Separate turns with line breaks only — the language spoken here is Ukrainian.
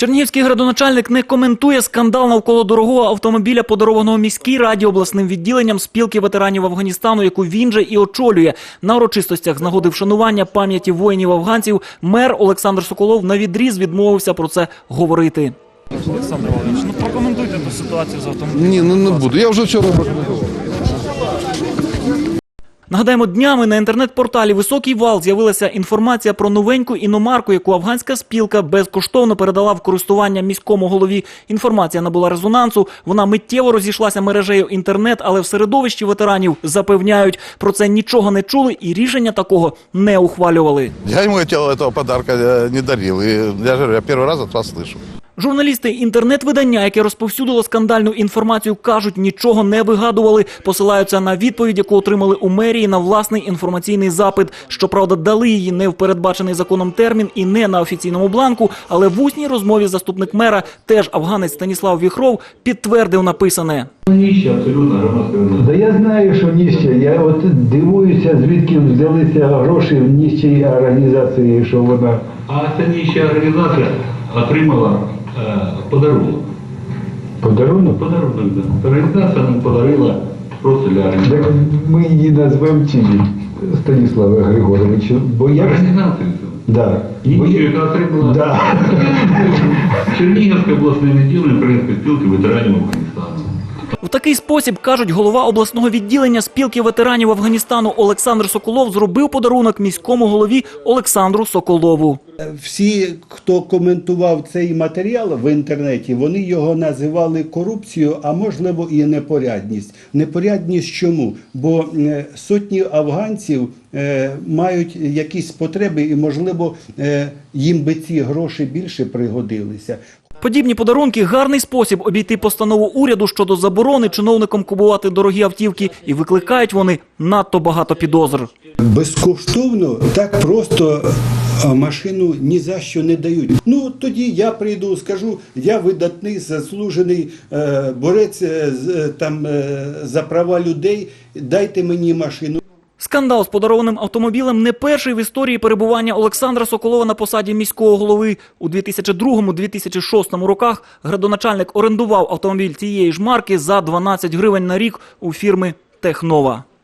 Чернігівський градоначальник не коментує скандал навколо дорогого автомобіля, подарованого міській раді обласним відділенням спілки ветеранів Афганістану, яку він же і очолює. На урочистостях з нагоди вшанування пам'яті воїнів-афганців мер Олександр Соколов навідріз відмовився про це говорити.
Олександр Володимирович, прокоментуйте ту ситуацію з автомобілем.
Ні, не буду. Я вже вчора прокоментував.
Нагадаємо, днями на інтернет-порталі «Високий вал» з'явилася інформація про новеньку іномарку, яку афганська спілка безкоштовно передала в користування міському голові. Інформація набула резонансу, вона миттєво розійшлася мережею інтернет, але в середовищі ветеранів запевняють, про це нічого не чули і рішення такого не ухвалювали.
Я йому цього подарка не дарив. І я перший раз від вас слышу.
Журналісти інтернет-видання, яке розповсюдило скандальну інформацію, кажуть, нічого не вигадували, посилаються на відповідь, яку отримали у мерії на власний інформаційний запит. Щоправда, дали її не в передбачений законом термін і не на офіційному бланку, але в усній розмові заступник мера, теж афганець Станіслав Віхров, підтвердив написане.
Ніщо, абсолютно громадська організація.
Да я знаю, що ніщо. Я от дивуюся, звідки взялися гроші в нічій організації, що вона...
А ця ніща організація отримала подарунок.
Подарунок?
Подарунок, да. Організація нам подарила просто для
Так
організації.
ми її назвемо чиї, Станіслава Григоровичу, бо я...
Організацію цю.
Да.
Ніщу, яка отримала
Да.
Чернігівське обласне відділення Української спілки ветеранів Афганістану.
В такий спосіб, кажуть, голова обласного відділення спілки ветеранів Афганістану Олександр Соколов зробив подарунок міському голові Олександру Соколову.
Всі, хто коментував цей матеріал в інтернеті, вони його називали корупцією, а можливо і непорядність. Непорядність чому? Бо сотні афганців мають якісь потреби і, можливо, їм би ці гроші більше пригодилися.
Подібні подарунки – гарний спосіб обійти постанову уряду щодо заборони чиновникам купувати дорогі автівки, і викликають вони надто багато підозр.
Безкоштовно, так просто машину ні за що не дають. Ну, тоді я прийду, скажу, я видатний, заслужений борець за права людей, дайте мені машину.
Скандал з подарованим автомобілем не перший в історії перебування Олександра Соколова на посаді міського голови. У 2002-2006 роках градоначальник орендував автомобіль цієї ж марки за 12 гривень на рік у фірми «Технова».